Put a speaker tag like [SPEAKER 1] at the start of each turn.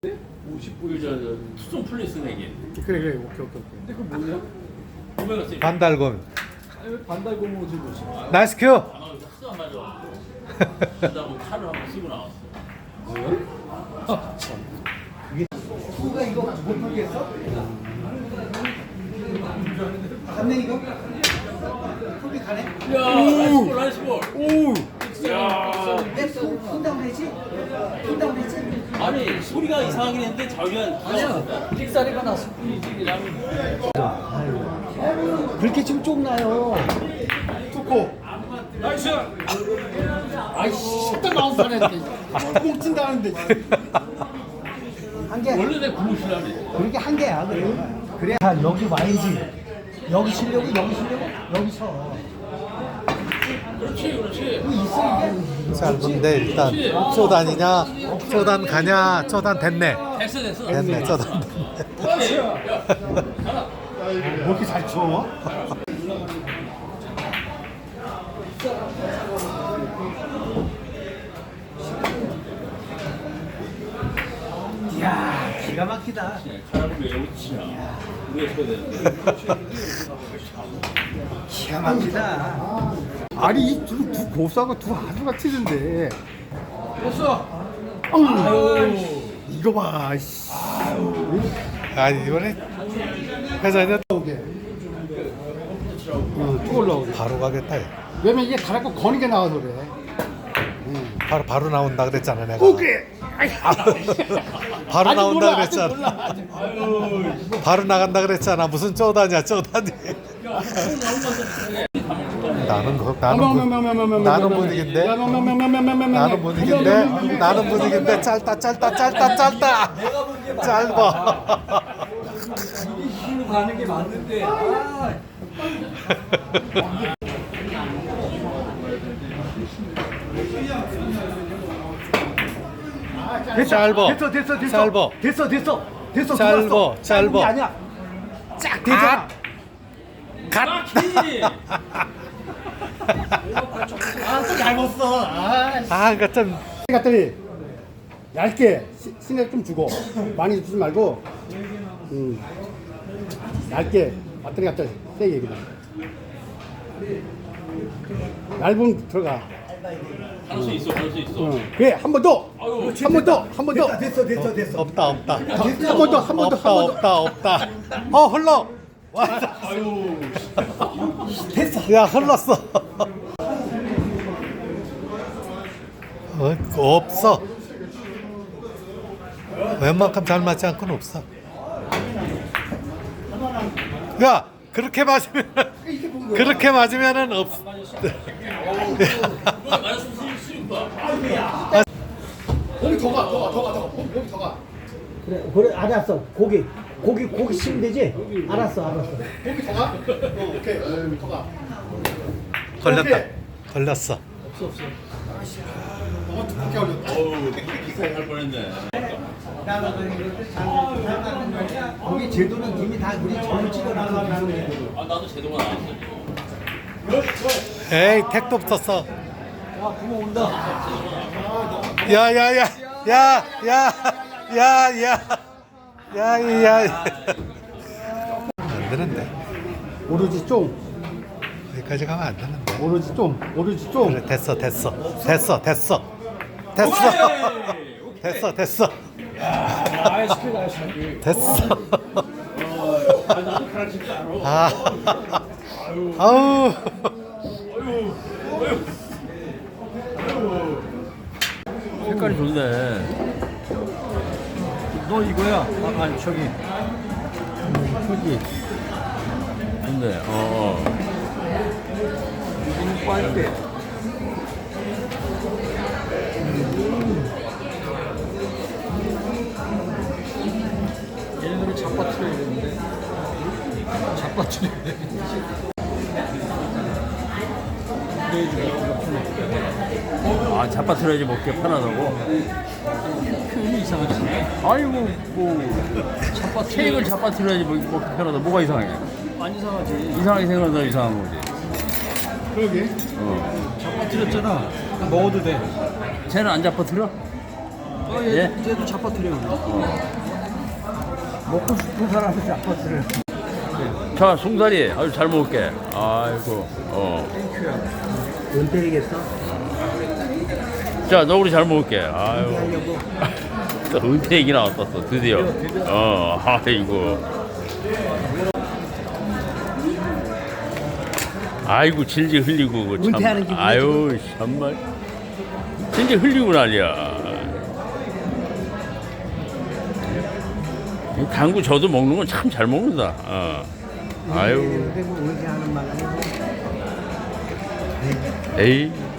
[SPEAKER 1] 59일 전 투썸 플레이스 내기.
[SPEAKER 2] 그래 오케이.
[SPEAKER 1] 근데 그 뭐냐? 구매가 세.
[SPEAKER 3] 반달곰.
[SPEAKER 1] 반달곰으로 들고 오시.
[SPEAKER 3] 나이스 큐.
[SPEAKER 1] 하도 안 맞아. 반달곰 칼을 한번 쓰고 나왔어.
[SPEAKER 2] 누가 이거 못 풀겠어? 갔네 이거? 풀이 가네?
[SPEAKER 1] 야, 나이스 볼.
[SPEAKER 2] 오!
[SPEAKER 1] 야.
[SPEAKER 2] 손다운 했지? 손다운 했지?
[SPEAKER 1] 아니 소리가 이상하긴 했는데 자기가 아니야. 픽사리가 났어.
[SPEAKER 2] 그렇게 지금 쫑나요. 투코.
[SPEAKER 1] 나이스.
[SPEAKER 2] 아이씨, 식당 나온 사람인데. 꽁 찐다는데. 한 개.
[SPEAKER 1] 원래 내 구무실라네.
[SPEAKER 2] 그렇게 한 개야, 그래. 자, 여기 와야지. 여기 치려고, 여기 서.
[SPEAKER 1] 그렇지.
[SPEAKER 2] 있어, 이게.
[SPEAKER 3] 짧은데 일단 쪼단이냐 쪼단 가냐 쪼단 됐네
[SPEAKER 1] 됐어.
[SPEAKER 3] 됐네 쪼단
[SPEAKER 1] 그렇지.
[SPEAKER 2] 뭐 이렇게 잘 쳐? 이야, 기가 막히다.
[SPEAKER 1] 사람을 왜 웃지냐? 왜 쳐야 되는데?
[SPEAKER 2] 기가 막히다. 아니, 두 고수하고 두 아주가 튀는데.
[SPEAKER 1] 됐어.
[SPEAKER 2] 이거 봐, 씨.
[SPEAKER 3] 아니 이번에 회전이
[SPEAKER 2] 오게. 쭉 올라오게.
[SPEAKER 3] 바로 가겠다 얘.
[SPEAKER 2] 왜냐면 이게 달았고 거는 게 나와서 그래.
[SPEAKER 3] 바로 나온다 그랬잖아 내가
[SPEAKER 2] 오게.
[SPEAKER 3] 바로
[SPEAKER 2] 아직
[SPEAKER 3] 나온다
[SPEAKER 2] 몰라, 아직
[SPEAKER 3] 그랬잖아
[SPEAKER 2] 몰라.
[SPEAKER 3] 바로 나간다 그랬잖아 무슨 쪼다냐 쪼다니 나는 분위기인데 나는 분위기인데 짧다 짧아
[SPEAKER 1] 힘으로 가는 게 맞는데.
[SPEAKER 3] 짧어
[SPEAKER 2] 됐어.
[SPEAKER 3] 짧어.
[SPEAKER 2] 짧은 게 아니야. 쫙 되잖아.
[SPEAKER 3] 갓
[SPEAKER 2] 잘 먹었어.
[SPEAKER 3] 그러니까 좀
[SPEAKER 2] 갔더니 얇게 신에 좀 주고 많이 주지 말고 얇게 왔더니 갔더니 세게 그냥 얇은 들어가.
[SPEAKER 1] 할 수 있어.
[SPEAKER 2] 그래 한 번 더. 한 번 더. 됐어.
[SPEAKER 3] 없다
[SPEAKER 2] 한 번 더.
[SPEAKER 3] 없다 흘러
[SPEAKER 1] 아유.
[SPEAKER 2] 됐어.
[SPEAKER 3] 야 흘렀어 없어 웬만큼 잘 맞지 않고는 없어 야 그렇게 맞으면은 없
[SPEAKER 2] 몸이 더 가. 몸이 더 가. 그래 알았어. 고기 치면 되지? 알았어. 몸이 더 가? 오케이. 더 가.
[SPEAKER 3] 걸렸어
[SPEAKER 2] 두껍게 올렸다.
[SPEAKER 1] 어우, 기사에 할 뻔했네.
[SPEAKER 2] 거기 제도는 이미 다 우리 전부 찍어놨어.
[SPEAKER 1] 아, 나도 제도가 나왔어.
[SPEAKER 3] 에이 택도 붙었어
[SPEAKER 1] 와, 구멍 온다.
[SPEAKER 3] 야야야 안 되는데
[SPEAKER 2] 오로지 좀.
[SPEAKER 3] 여기까지 가면 안 되는데
[SPEAKER 2] 오로지 좀.
[SPEAKER 3] 그래 됐어 됐어
[SPEAKER 1] 나도 가르칠 줄 알아.
[SPEAKER 3] 아우
[SPEAKER 1] 색깔이 좋네. 너 이거야? 아니, 저기. 좋네. 이거 빨대. 얘네들은 잡아트려야 되는데. 잡아트려야 되는데. 아, 잡아트려야지 먹기 편하다고? 표현이 이상하지. 아이고, 뭐, 케이크를 잡아트려야지 먹기 편하다. 뭐가 이상해? 안 이상하지. 이상하게 생각하다 이상한 거지.
[SPEAKER 2] 그러게.
[SPEAKER 1] 잡아트렸잖아. 먹어도 돼. 쟤는 안 잡아트려? 예?
[SPEAKER 2] 얘도 잡아뜨려. 먹고 싶은 사람은 잡아뜨려.
[SPEAKER 1] 자, 송사리 아주 잘 먹을게. 아이고.
[SPEAKER 2] 은퇴리겠어?
[SPEAKER 1] 자, 너구리 잘 먹을게. 아유.
[SPEAKER 2] 하려고.
[SPEAKER 1] 또 은퇴 얘기 나왔어, 드디어. 아이고. 아이고, 질질 흘리고, 그 참.
[SPEAKER 2] 은퇴하는 기분이지.
[SPEAKER 1] 아유, 정말. 질질 흘리고 난리야. 이 당구 저도 먹는 건 참 잘 먹는다. 아유.
[SPEAKER 2] 은퇴하는 말 아니고.
[SPEAKER 1] 에이.